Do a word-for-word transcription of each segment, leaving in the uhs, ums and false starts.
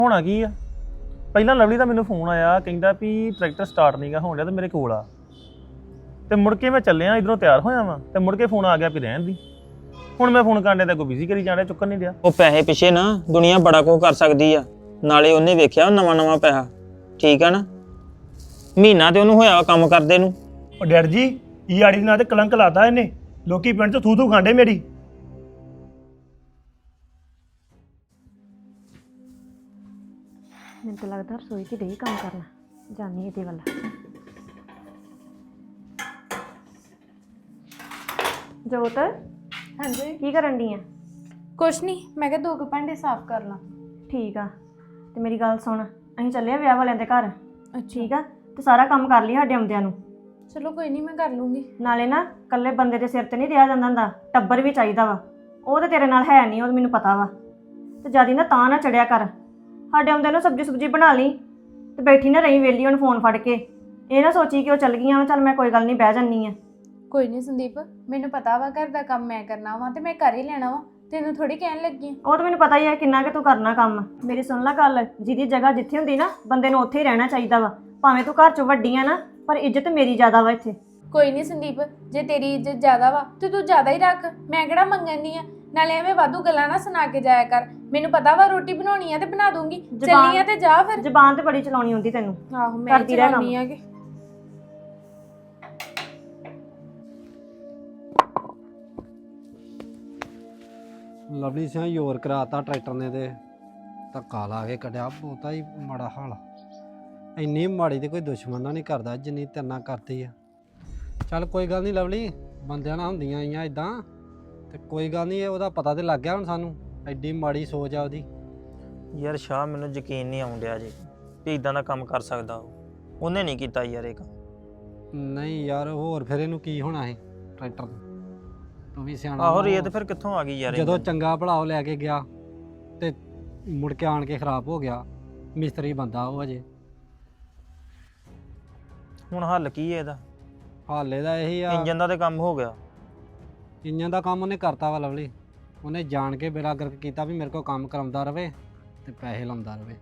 ਹੋਣਾ ਕੀ ਆ ਪਹਿਲਾਂ ਲਵਲੀ ਦਾ ਮੈਨੂੰ ਫੋਨ ਆਇਆ ਕਹਿੰਦਾ ਵੀ ਟਰੈਕਟਰ ਸਟਾਰਟ ਨਹੀਂਗਾ ਹੋਣ ਡਿਆ ਤੇ ਮੇਰੇ ਕੋਲ ਆ ਤੇ ਮੁੜ ਕੇ ਮੈਂ ਚੱਲਿਆ ਇਧਰੋਂ ਤਿਆਰ ਹੋਇਆ ਵਾਂ ਤੇ ਮੁੜ ਕੇ ਫੋਨ ਆ ਗਿਆ ਵੀ ਰਹਿਣ ਦੀ ਹੁਣ ਮੈਂ ਫੋਨ ਕਰਨ ਤੇ ਕੋਈ ਬਿਜ਼ੀ ਕਰੀ ਜਾਣਾ ਚੁੱਕਣ ਨਹੀਂ ਡਿਆ। ਉਹ ਪੈਸੇ ਪਿੱਛੇ ਨਾ ਦੁਨੀਆ ਬੜਾ ਕੁਝ ਕਰ ਸਕਦੀ ਆ। ਨਾਲੇ ਉਹਨੇ ਵੇਖਿਆ ਨਵਾਂ ਨਵਾਂ ਪੈਸਾ, ਠੀਕ ਆ ਨਾ। ਮਹੀਨਾ ਤੇ ਉਹਨੂੰ ਹੋਇਆ ਕੰਮ ਕਰਦੇ ਨੂੰ। ਉਹ ਡੈਡ ਜੀ ਇਹ ਆੜੀ ਦੇ ਨਾਂ ਤੇ ਕਲੰਕ ਲਾਤਾ ਇਹਨੇ, ਲੋਕੀ ਪਿੰਡ 'ਚ ਥੂ ਥੂ ਖਾਂਦੇ ਮੇਰੀ। ਮੈਨੂੰ ਤਾਂ ਲੱਗਦਾ ਰਸੋਈ 'ਚ ਡਈ ਕੰਮ ਕਰਨਾ, ਜਾਨੀ ਇਹਦੇ ਵੱਲ। ਜੋਤ ਹਾਂਜੀ ਕੀ ਕਰਨ ਡਈ ਆ? ਕੁਛ ਨਹੀਂ, ਮੈਂ ਕਿਹਾ ਦੋ ਕੁ ਭਾਂਡੇ ਸਾਫ਼ ਕਰ ਲਾਂ। ਠੀਕ ਆ, ਤੇ ਮੇਰੀ ਗੱਲ ਸੁਣ, ਅਸੀਂ ਚੱਲੇ ਆ ਵਿਆਹ ਵਾਲਿਆਂ ਦੇ ਘਰ, ਅੱਛਾ ਠੀਕ ਆ? ਤੇ ਸਾਰਾ ਕੰਮ ਕਰ ਲਈ ਸਾਡੇ ਆਉਂਦਿਆਂ ਨੂੰ। ਚਲੋ ਕੋਈ ਨਹੀਂ, ਮੈਂ ਕਰ ਲੂੰਗੀ। ਨਾਲੇ ਨਾ ਇਕੱਲੇ ਬੰਦੇ ਦੇ ਸਿਰ ਤੇ ਨਹੀਂ ਰਿਹਾ ਜਾਂਦਾ ਹੁੰਦਾ, ਟੱਬਰ ਵੀ ਚਾਹੀਦਾ ਵਾ। ਉਹ ਤਾਂ ਤੇਰੇ ਨਾਲ ਹੈ ਨਹੀਂ, ਉਹ ਮੈਨੂੰ ਪਤਾ ਵਾ। ਤੇ ਜਿਆਦੀ ਨਾ ਤਾਂ ਨਾ ਚੜਿਆ ਕਰ, ਸਾਡੇ ਆਉਂਦਿਆਂ ਨੂੰ ਸਬਜ਼ੀ ਸੁਬਜੀ ਬਣਾ ਲਈ ਤੇ ਬੈਠੀ ਨਾ ਰਹੀ ਵੇਲੀ ਹੁਣ ਫੋਨ ਫੜ ਕੇ। ਇਹ ਨਾ ਸੋਚੀ ਕਿ ਉਹ ਚੱਲ ਗਈਆਂ ਵਾ, ਚੱਲ ਮੈਂ ਕੋਈ ਗੱਲ ਨਹੀਂ ਬਹਿ ਜੰਨੀ ਆ। ਕੋਈ ਨਹੀਂ ਸੰਦੀਪ, ਮੈਨੂੰ ਪਤਾ ਵਾ ਘਰ ਦਾ ਕੰਮ ਮੈਂ ਕਰਨਾ ਵਾ ਤੇ ਮੈਂ ਕਰ ਹੀ ਲੈਣਾ ਵਾ, ਤੈਨੂੰ ਥੋੜੀ ਕਹਿਣ ਲੱਗੀ ਆ। ਉਹ ਤਾਂ ਮੈਨੂੰ ਪਤਾ ਹੀ ਹੈ ਕਿੰਨਾ ਕਿ ਤੂੰ ਕਰਨਾ ਕੰਮ। ਮੇਰੀ ਸੁਣ ਲੈ ਗੱਲ, ਜਿਹਦੀ ਜਗ੍ਹਾ ਜਿੱਥੇ ਹੁੰਦੀ ਨਾ ਬੰਦੇ ਨੂੰ ਉੱਥੇ ਹੀ ਰਹਿਣਾ ਚਾਹੀਦਾ ਵਾ। ਭਾਵੇਂ ਤੂੰ ਘਰ 'ਚ ਵੱਡੀ ਆ ਨਾ, ਪਰ ਇੱਜ਼ਤ ਮੇਰੀ ਜ਼ਿਆਦਾ ਵਾ ਇੱਥੇ। ਕੋਈ ਨਹੀਂ ਸੰਦੀਪ, ਜੇ ਤੇਰੀ ਇੱਜ਼ਤ ਜ਼ਿਆਦਾ ਵਾ ਤੇ ਤੂੰ ਜ਼ਿਆਦਾ ਹੀ ਰੱਖ, ਮੈਂ ਕਿਹੜਾ ਮੰਗਣੀ ਆ। ਨਾਲੇ ਐਵੇਂ ਵਾਧੂ ਗੱਲਾਂ ਨਾ ਸੁਣਾ ਕੇ ਜਾਇਆ ਕਰ, ਮੈਨੂੰ ਪਤਾ ਵਾ ਰੋਟੀ ਬਣਾਉਣੀ ਆ ਤੇ ਬਣਾ ਦੂੰਗੀ। ਚੱਲੀ ਆ ਤੇ ਜਾ ਫਿਰ। ਜ਼ਬਾਨ ਤੇ ਬੜੀ ਚਲਾਉਣੀ ਹੁੰਦੀ ਤੈਨੂੰ। ਆਹੋ ਮੈਂ ਕਰਦੀ ਰਹਿ ਚਲਾਉਣੀ ਆ ਕਿ ਲਵਲੀ ਸਿੰਘ ਯੋਰ ਕਰਾਤਾ ਟਰੈਕਟਰ ਨੇ ਤੇ ਧੱਕਾ ਲਾ ਕੇ ਕੱਢਿਆ। ਬਹੁਤਾ ਹੀ ਮਾੜਾ ਹਾਲ, ਇੰਨੀ ਮਾੜੀ ਤੇ ਕੋਈ ਦੁਸ਼ਮਣ ਨਾਲ ਨਹੀਂ ਕਰਦਾ ਜਿੰਨੀ ਤੇਰੇ ਨਾਲ ਕਰਦੀ ਆ। ਚੱਲ ਕੋਈ ਗੱਲ ਨਹੀਂ ਲਵਲੀ, ਬੰਦਿਆਂ ਨਾਲ ਹੁੰਦੀਆਂ ਆਈਆਂ ਇਦਾਂ, ਤੇ ਕੋਈ ਗੱਲ ਨਹੀਂ, ਉਹਦਾ ਪਤਾ ਤੇ ਲੱਗ ਗਿਆ ਹੁਣ ਸਾਨੂੰ, ਐਡੀ ਮਾੜੀ ਸੋਚ ਆ ਉਹਦੀ। ਯਾਰ ਸ਼ਾਹ, ਮੈਨੂੰ ਯਕੀਨ ਨਹੀਂ ਆਉਣ ਡਿਆ ਜੀ ਵੀ ਇਦਾਂ ਦਾ ਕੰਮ ਕਰ ਸਕਦਾ ਉਹ। ਉਹਨੇ ਨਹੀਂ ਕੀਤਾ ਯਾਰ ਇਹ ਕੰਮ। ਨਹੀਂ ਯਾਰ, ਹੋਰ ਫਿਰ ਇਹਨੂੰ ਕੀ ਹੋਣਾ ਸੀ ਟਰੈਕਟਰ ਨੂੰ? ਤੂੰ ਵੀ ਸਿਆਣਾ। ਆਹੋ ਰੇਤ ਫਿਰ ਕਿੱਥੋਂ ਆ ਗਈ ਯਾਰ? ਜਦੋਂ ਚੰਗਾ ਭਲਾ ਉਹ ਲੈ ਕੇ ਗਿਆ ਤੇ ਮੁੜ ਕੇ ਆਣ ਕੇ ਖਰਾਬ ਹੋ ਗਿਆ। ਮਿਸਤਰੀ ਬੰਦਾ ਉਹ ਅਜੇ। ਹੁਣ ਹੱਲ ਕੀ ਹੈ ਇਹਦਾ? ਹਾਲੇ ਦਾ ਇਹੀ ਆ, ਇੰਜਨ ਦਾ ਤੇ ਕੰਮ ਹੋ ਗਿਆ। ਇੰਜਨ ਦਾ ਕੰਮ ਉਹਨੇ ਕਰਤਾ ਵਾ ਲਵਲੀ। ਉਹਨੇ ਜਾਣ ਕੇ ਬੇੜਾ ਗਰਕ ਕੀਤਾ ਵੀ ਮੇਰੇ ਕੋਲ ਕੰਮ ਕਰਾਉਂਦਾ ਰਵੇ ਤੇ ਪੈਸੇ ਲਾਉਂਦਾ ਰਵੇ।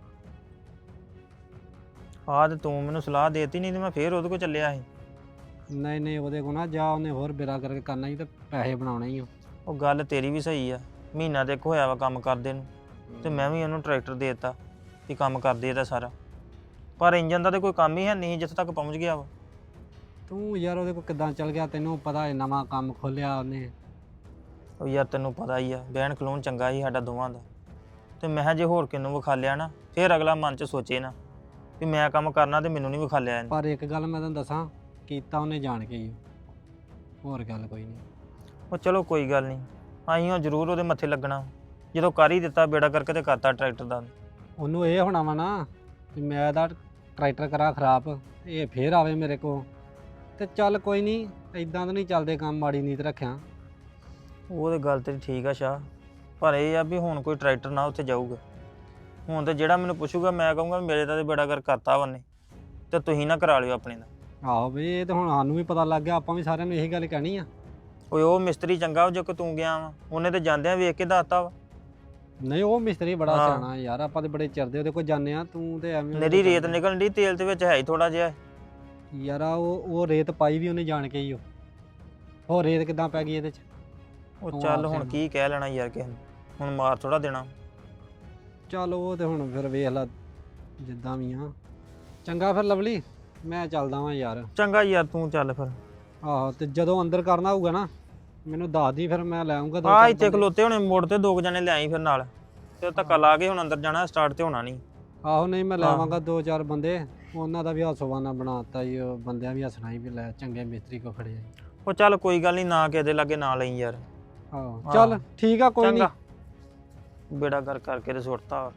ਆਹ ਤੇ ਤੂੰ ਮੈਨੂੰ ਸਲਾਹ ਦੇਤੀ, ਨਹੀਂ ਤੇ ਮੈਂ ਫੇਰ ਉਹਦੇ ਕੋਲ ਚੱਲਿਆ ਸੀ। ਨਹੀਂ ਨਹੀਂ, ਉਹਦੇ ਕੋਲ ਨਾ ਜਾ, ਉਹਨੇ ਹੋਰ ਬੇੜਾ ਗਰਕ ਕਰਨਾ ਹੀ ਤੇ ਪੈਸੇ ਬਣਾਉਣੇ ਹੀ। ਉਹ ਗੱਲ ਤੇਰੀ ਵੀ ਸਹੀ ਆ, ਮਹੀਨਾ ਤੇ ਇੱਕ ਹੋਇਆ ਵਾ ਕੰਮ ਕਰਦੇ ਨੂੰ, ਤੇ ਮੈਂ ਵੀ ਉਹਨੂੰ ਟਰੈਕਟਰ ਦੇ ਦਿੱਤਾ ਕਿ ਕੰਮ ਕਰਦੇ ਇਹਦਾ ਸਾਰਾ। ਪਰ ਇੰਜਨ ਦਾ ਤੇ ਕੋਈ ਕੰਮ ਹੀ ਹੈ ਨਹੀਂ ਜਿੱਥੇ ਤੱਕ ਪਹੁੰਚ ਗਿਆ ਵਾ। ਤੂੰ ਯਾਰ ਉਹਦੇ ਕੋਲ ਕਿੱਦਾਂ ਚੱਲ ਗਿਆ? ਤੈਨੂੰ ਪਤਾ ਹੈ ਨਵਾਂ ਕੰਮ ਖੋਲਿਆ ਉਹਨੇ। ਉਹ ਯਾਰ ਤੈਨੂੰ ਪਤਾ ਹੀ ਆ, ਬਹਿਣ ਖਲੋਣ ਚੰਗਾ ਹੀ ਸਾਡਾ ਦੋਵਾਂ ਦਾ। ਤੇ ਮੈਂ ਕਿਹਾ ਜੇ ਹੋਰ ਕਿਨੂੰ ਵਿਖਾ ਲਿਆ ਨਾ, ਫਿਰ ਅਗਲਾ ਮਨ 'ਚ ਸੋਚੇ ਨਾ ਵੀ ਮੈਂ ਕੰਮ ਕਰਨਾ ਤੇ ਮੈਨੂੰ ਨਹੀਂ ਵਿਖਾ ਲਿਆ ਇਹਨੇ। ਪਰ ਇੱਕ ਗੱਲ ਮੈਂ ਤੈਨੂੰ ਦੱਸਾਂ, ਕੀਤਾ ਉਹਨੇ ਜਾਣ ਕੇ ਹੀ, ਹੋਰ ਗੱਲ ਕੋਈ ਨਹੀਂ। ਉਹ ਚਲੋ ਕੋਈ ਗੱਲ ਨਹੀਂ, ਅਸੀਂ ਉਹ ਜ਼ਰੂਰ ਉਹਦੇ ਮੱਥੇ ਲੱਗਣਾ ਜਦੋਂ ਕਰ ਹੀ ਦਿੱਤਾ ਬੇੜਾ ਕਰਕੇ ਤੇ ਕਰਤਾ ਟਰੈਕਟਰ ਦਾ। ਉਹਨੂੰ ਇਹ ਹੋਣਾ ਵਾ ਨਾ ਵੀ ਮੈਂ ਇਹਦਾ ਟਰੈਕਟਰ ਕਰਾਂ ਖਰਾਬ, ਇਹ ਫੇਰ ਆਵੇ ਮੇਰੇ ਕੋਲ। ਤੇ ਚੱਲ ਕੋਈ ਨਹੀਂ, ਇਦਾਂ ਤਾਂ ਨਹੀਂ ਚੱਲਦੇ ਕੰਮ, ਮਾੜੀ ਨੀਤ ਰੱਖਿਆ। ਉਹ ਤੇ ਗੱਲ ਤੇਰੀ ਠੀਕ ਆ ਸ਼ਾਹ, ਪਰ ਇਹ ਆ ਵੀ ਹੁਣ ਕੋਈ ਟਰੈਕਟਰ ਨਾ ਉੱਥੇ ਜਾਊਗਾ। ਹੁਣ ਤੇ ਜਿਹੜਾ ਮੈਨੂੰ ਪੁੱਛੂਗਾ ਮੈਂ ਕਹੂੰਗਾ ਮੇਰੇ ਤਾਂ ਤੇ ਬੇੜਾ ਕਰ ਕਰਤਾ ਉਹਨੇ, ਤੇ ਤੁਸੀਂ ਨਾ ਕਰਾ ਲਿਓ ਆਪਣੇ ਦਾ। ਆਹੋ ਬਈ, ਇਹ ਤਾਂ ਹੁਣ ਸਾਨੂੰ ਵੀ ਪਤਾ ਲੱਗ ਗਿਆ, ਆਪਾਂ ਵੀ ਸਾਰਿਆਂ ਨੂੰ ਇਹੀ ਗੱਲ ਕਹਿਣੀ ਆ। ਓਏ ਉਹ ਮਿਸਤਰੀ ਚੰਗਾ ਜੋ ਕਿ ਤੂੰ ਗਿਆ ਵਾ, ਉਹਨੇ ਤੇ ਜਾਂਦਿਆਂ ਵੇਖ ਕੇ ਦੱਸਤਾ ਵਾ। ਨਹੀਂ ਉਹ ਮਿਸਤਰੀ ਬੜਾ ਹਾਂ। ਸਿਆਣਾ ਯਾਰ, ਆਪਾਂ ਤੇ ਬੜੇ ਚਿਰਦੇ ਉਹਦੇ ਕੋਲ ਜਾਂਦੇ ਆ। ਤੂੰ ਤੇ ਐਵੇਂ ਮੇਰੀ ਰੇਤ ਨਿਕਲਣ ਦੀ, ਤੇਲ ਦੇ ਵਿੱਚ ਹੈ ਹੀ ਥੋੜਾ ਜਿਹਾ। ਯਾਰ ਆ ਉਹ ਉਹ ਰੇਤ ਪਾਈ ਵੀ ਉਹਨੇ ਜਾਣ ਕੇ ਹੀ। ਉਹ ਹੋਰ ਰੇਤ ਕਿੱਦਾਂ ਪੈ ਗਈ ਇਹਦੇ 'ਚ? ਉਹ ਤੂੰ ਚੱਲ ਆਪ ਹੁਣ ਸਿਆਣਾ। ਕੀ ਕਹਿ ਲੈਣਾ ਯਾਰ ਕਿਸੇ ਨੂੰ, ਹੁਣ ਮਾਰ ਥੋੜਾ ਦੇਣਾ। ਚੱਲ ਉਹ ਤੇ ਹੁਣ ਫਿਰ ਵੇਖ ਲਾ ਜਿੱਦਾਂ ਵੀ ਆ। ਚੰਗਾ ਫਿਰ ਲਵਲੀ, ਮੈਂ ਚੱਲਦਾ ਵਾਂ ਯਾਰ। ਚੰਗਾ ਯਾਰ ਤੂੰ ਚੱਲ ਫਿਰ। ਆਹੋ, ਤੇ ਜਦੋਂ ਅੰਦਰ ਕਰਨਾ ਹੋਊਗਾ ਨਾ ਮੈਨੂੰ ਦੱਸ ਦੀ, ਫਿਰ ਮੈਂ ਲੈ ਆਉਂਗਾ ਦੋ ਆ ਚਾਰ ਇੱਥੇ ਬੰਦੇ। ਖਲੋਤੇ ਹੋਣੇ ਮੋੜ ਤੇ, ਦੋ ਕੁ ਜਣੇ ਲਿਆਈ ਫਿਰ ਨਾਲ, ਤੇ ਧੱਕਾ ਲਾ ਕੇ ਹੁਣ ਅੰਦਰ ਜਾਣਾ, ਸਟਾਰਟ ਤੇ ਹੋਣਾ ਨਹੀਂ। ਆਹੋ ਨਹੀਂ, ਮੈਂ ਲੈ ਹਾਂ। ਆਵਾਂਗਾ ਦੋ ਚਾਰ ਬੰਦੇ, ਉਹਨਾਂ ਦਾ ਵੀ ਹਾਸੋਵਾਨਾ ਬਣਾਤਾ ਜੀ। ਉਹ ਬੰਦਿਆਂ ਵੀ ਹੱਸਣਾ ਹੀ ਵੀ ਲੈ ਚੰਗੇ ਮਿਸਤਰੀ ਕੋ ਖੜੇ ਆ। ਉਹ ਚੱਲ ਕੋਈ ਗੱਲ ਨਹੀਂ, ਨਾ ਕਿਸੇ ਦੇ ਲਾਗੇ ਨਾ ਲਈ ਯਾਰ। ਆਹੋ ਹਾਂ। ਚੱਲ ਠੀਕ ਆ, ਕੋਈ ਨਹੀਂ। ਚੰਗਾ, ਬੇੜਾ ਕਰ ਕਰਕੇ ਤੇ ਸੁੱਟਤਾ।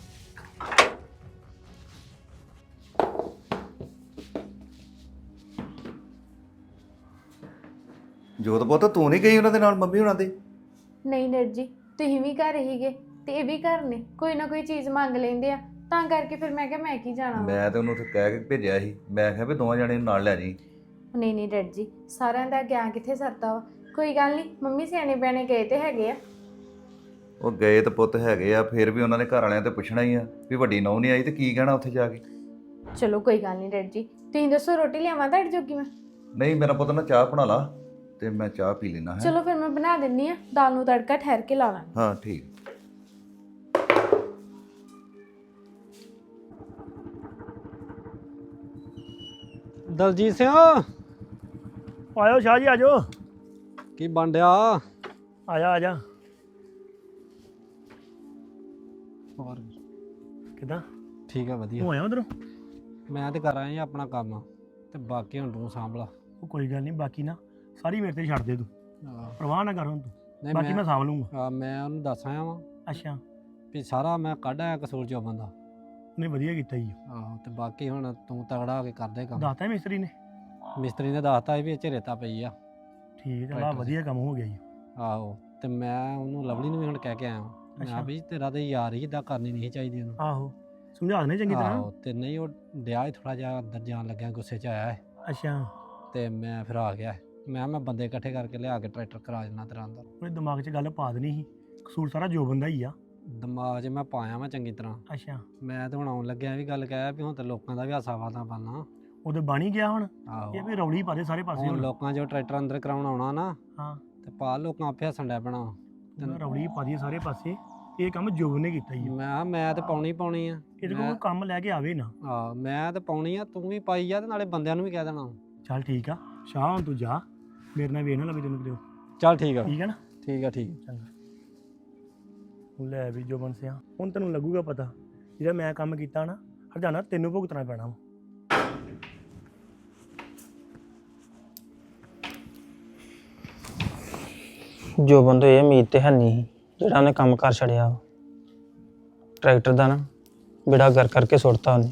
ਜੋਤ ਪੁੱਤ ਤੂੰ ਨਹੀਂ ਗਈ ਉਹਨਾਂ ਦੇ ਨਾਲ, ਮੰਮੀ ਹੁਣਾਂ ਦੇ? ਨਹੀਂ ਡੈਡ ਜੀ, ਤੁਸੀਂ ਵੀ ਘਰ ਹੀਗੇ ਤੇ ਇਹ ਵੀ ਘਰ ਨੇ, ਕੋਈ ਨਾ ਕੋਈ ਚੀਜ਼ ਮੰਗ ਲੈਂਦੇ ਆ, ਤਾਂ ਕਰਕੇ ਫਿਰ ਮੈਂ ਕਿਹਾ ਮੈਂ ਕੀ ਜਾਣਾ ਵਾ। ਮੈਂ ਤੇ ਉਹਨੂੰ ਉੱਥੇ ਕਹਿ ਕੇ ਭੇਜਿਆ ਸੀ, ਮੈਂ ਕਿਹਾ ਵੀ ਦੋਵਾਂ ਜਣੇ ਨੂੰ ਨਾਲ ਲੈ ਜੀ। ਨਹੀਂ ਨਹੀਂ ਡੈਡ ਜੀ, ਸਾਰਿਆਂ ਦਾ ਗਿਆ ਕਿੱਥੇ ਸਰਦਾ ਵਾ। ਕੋਈ ਗੱਲ ਨਹੀਂ, ਮੰਮੀ ਸਿਆਣੇ ਬਿਆਣੇ ਗਏ ਤੇ ਹੈਗੇ ਆ। ਉਹ ਗਏ ਤਾਂ ਪੁੱਤ ਹੈਗੇ ਆ, ਫਿਰ ਵੀ ਉਹਨਾਂ ਨੇ ਘਰ ਵਾਲਿਆਂ ਤੇ ਪੁੱਛਣਾ ਹੀ ਆ ਵੀ ਵੱਡੀ ਨੌਂ ਨਹੀਂ ਆਈ ਤੇ ਕੀ ਕਹਿਣਾ ਉੱਥੇ ਜਾ ਕੇ। ਚਲੋ ਕੋਈ ਗੱਲ ਨਹੀਂ ਡੈਡ ਜੀ, ਤੁਸੀਂ ਦੱਸੋ ਰੋਟੀ ਲਿਆਵਾਂ ਤੁਹਾਡੇ ਜੋਗੀ ਮੈਂ? ਨਹੀਂ ਮੇਰਾ ਪੁੱਤ ਨਾ ਚਾਹ ਬਣਾ ਲਾ ਤੇ ਮੈਂ ਚਾਹ ਪੀ ਲੈਣਾ ਹੈ। ਚਲੋ ਫਿਰ ਮੈਂ ਬਣਾ ਦਿੰਨੀ ਆ, ਦਾਲ ਨੂੰ ਤੜਕਾ ਠਹਿਰ ਕੇ ਲਾ ਲਾਂਗੇ। ਹਾਂ ਠੀਕ। ਦਲਜੀਤ ਸਿੰਘ ਆਇਓ ਸ਼ਾਹ ਜੀ ਆਜੋ। ਕੀ ਬਣ ਡਿਆ? ਆਜਾ ਆਜਾ। ਹੋਰ ਕਿਦਾਂ ਠੀਕ ਆ ਵਧੀਆ। ਤੂੰ ਆਇਆ ਉਧਰੋਂ? ਮੈਂ ਤੇ ਕਰ ਆਇਆ ਜੀ ਆਪਣਾ ਕੰਮ, ਤੇ ਬਾਕੀ ਹੁਣ ਤੂੰ ਸਾਂਭ ਲਾ। ਉਹ ਕੋਈ ਗੱਲ ਨਹੀਂ, ਬਾਕੀ ਨਾ ਸਾਰੀ ਮੇਰੇ ਤੇ ਛੱਡ ਦੇ ਤੂੰ, ਆਹ, ਪਰਵਾਹ ਨਾ ਕਰ ਹੁਣ ਤੂੰ, ਨਹੀਂ ਬਾਕੀ ਮੈਂ ਮੈਂ ਸਾਂਭ ਲੂੰਗਾ। ਆਹ, ਮੈਂ ਉਹਨੂੰ ਦੱਸ ਆਇਆ ਵਾਂ ਅੱਛਾ, ਵੀ ਸਾਰਾ ਮੈਂ ਕੱਢ ਆਇਆ ਕਸੂਰ ਚੋਂ ਬੰਦਾ। ਨਹੀਂ ਵਧੀਆ ਕੀਤਾ ਜੀ। ਆਹੋ ਤੇ ਬਾਕੀ ਹੁਣ ਤੂੰ ਤਗੜਾ ਹੋ ਕੇ ਕਰਦੇ ਕੰਮ। ਦੱਸਤਾ ਮਿਸਤਰੀ ਨੇ? ਮਿਸਤਰੀ ਨੇ ਦੱਸਤਾ ਵੀ ਇਹ 'ਚ ਰੇਤਾ ਪਈ ਆ। ਠੀਕ ਹੈ, ਲਾ ਟਰੈਕਟਰ ਵਧੀਆ ਕੰਮ ਹੋ ਗਿਆ ਜੀ। ਆਹੋ ਤੇ ਮੈਂ ਉਹਨੂੰ ਲਵਲੀ ਨੂੰ ਵੀ ਹੁਣ ਕਹਿ ਕੇ ਆਇਆ ਵਾਂ। ਮੈਂ ਅੱਛਾ। ਵੀ ਤੇਰਾ ਤੇ ਯਾਰ ਹੀ ਇਦਾਂ ਕਰਨੀ ਨਹੀਂ ਚਾਹੀਦੀ ਉਹਨੂੰ। ਆਹੋ ਸਮਝਾ ਦੇਣੇ ਚੰਗੀ ਤਰ੍ਹਾਂ। ਆਹੋ ਤੇ ਨਹੀਂ ਉਹ ਡਿਆ ਹੀ ਥੋੜਾ ਜਿਹਾ ਅੰਦਰ ਜਾਣ ਲੱਗਿਆ, ਗੁੱਸੇ 'ਚ ਆਇਆ ਹੈ ਅੱਛਾ, ਤੇ ਮੈਂ ਫਿਰ ਆ ਗਿਆ। ਮੈਂ ਮੈਂ ਬੰਦੇ ਇਕੱਠੇ ਕਰਕੇ ਲਿਆ ਕੇ ਟਰੈਕਟਰ ਕਰਾ ਦੇਣਾ ਤੇਰਾ ਅੰਦਰ। ਉਹਦੇ ਦਿਮਾਗ 'ਚ ਗੱਲ ਪਾ ਦੇਣੀ ਸੀ, ਕਸੂਰ ਸਾਰਾ ਜੋ ਬੰਦਾ ਹੀ ਆ। ਦਿਮਾਗ 'ਚ ਮੈਂ ਪਾਇਆ ਮੈਂ ਚੰਗੀ ਤਰ੍ਹਾਂ। ਅੱਛਾ, ਮੈਂ ਤੇ ਹੁਣ ਆਉਣ ਲੱਗਿਆ ਵੀ ਗੱਲ ਕਹਿਆ ਵੀ ਹੁਣ ਤੇ ਲੋਕਾਂ ਦਾ ਵੀ ਹਾਸਾ ਵਾਦਾ ਬਣਨਾ। ਉਹਦੇ ਬਣ ਹੀ ਗਿਆ ਹੁਣ। ਆਹੋ ਇਹ ਵੀ ਰੌਲੀ ਪਾ ਦੇ ਸਾਰੇ ਪਾਸੇ ਹੁਣ ਹੁਣ। ਲੋਕਾਂ 'ਚੋਂ ਟਰੈਕਟਰ ਅੰਦਰ ਕਰਾਉਣ ਆਉਣਾ ਨਾ, ਹਾਂ, ਤੇ ਪਾ ਲੋਕਾਂ ਆਪੇ ਹੱਸਣ ਡੈ ਪੈਣਾ। ਉਹਦਾ ਰੌਲੀ ਪਾ ਦੀ ਸਾਰੇ ਪਾਸੇ। ਇਹ ਕੰਮ ਜੋਬ ਨੇ ਕੀਤਾ ਜੀ। ਮੈਂ ਮੈਂ ਤੇ ਪਾਉਣੀ ਪਾਉਣੀ ਆ। ਇਹਦੇ ਕੋਲ ਕੋਈ ਕੰਮ ਲੈ ਕੇ ਆਵੇ ਨਾ। ਆ ਮੈਂ ਤੇ ਪਾਉਣੀ ਆ, ਤੂੰ ਵੀ ਪਾਈ ਆ ਤੇ ਨਾਲੇ ਬੰਦਿਆਂ ਨੂੰ ਵੀ ਕਹਿ ਦੇਣਾ। ਚੱਲ ਠੀਕ ਆ ਸ਼ਾਹ, ਹੁਣ ਤੂੰ ਜਾ, ਮੇਰੇ ਨਾਲ ਵੇਖ ਨਾ ਲਵੇ ਤੈਨੂੰ ਕਿਤੇ। ਚੱਲ ਠੀਕ ਆ ਠੀਕ ਹੈ ਨਾ? ਠੀਕ ਆ ਠੀਕ। ਚੰਗਾ। ਲੈ ਵੀ ਜੋ ਬੰਸਿਆ, ਹੁਣ ਤੈਨੂੰ ਲੱਗੂਗਾ ਪਤਾ ਜਿਹੜਾ ਮੈਂ ਕੰਮ ਕੀਤਾ ਨਾ, ਹਰਜਾਨਾ ਤੈਨੂੰ ਭੁਗਤਣਾ ਪੈਣਾ ਵਾ। ਜੋ ਬੰਦੇ ਇਹ ਉਮੀਦ ਤੇ ਹੈ ਨਹੀਂ ਸੀ ਜਿਹੜਾ ਉਹਨੇ ਕੰਮ ਕਰ ਛੜਿਆ। ਟਰੈਕਟਰ ਦਾ ਨਾ ਬਿੜਾ ਕਰ ਕਰਕੇ ਸੁੱਟਤਾ ਉਹਨੇ।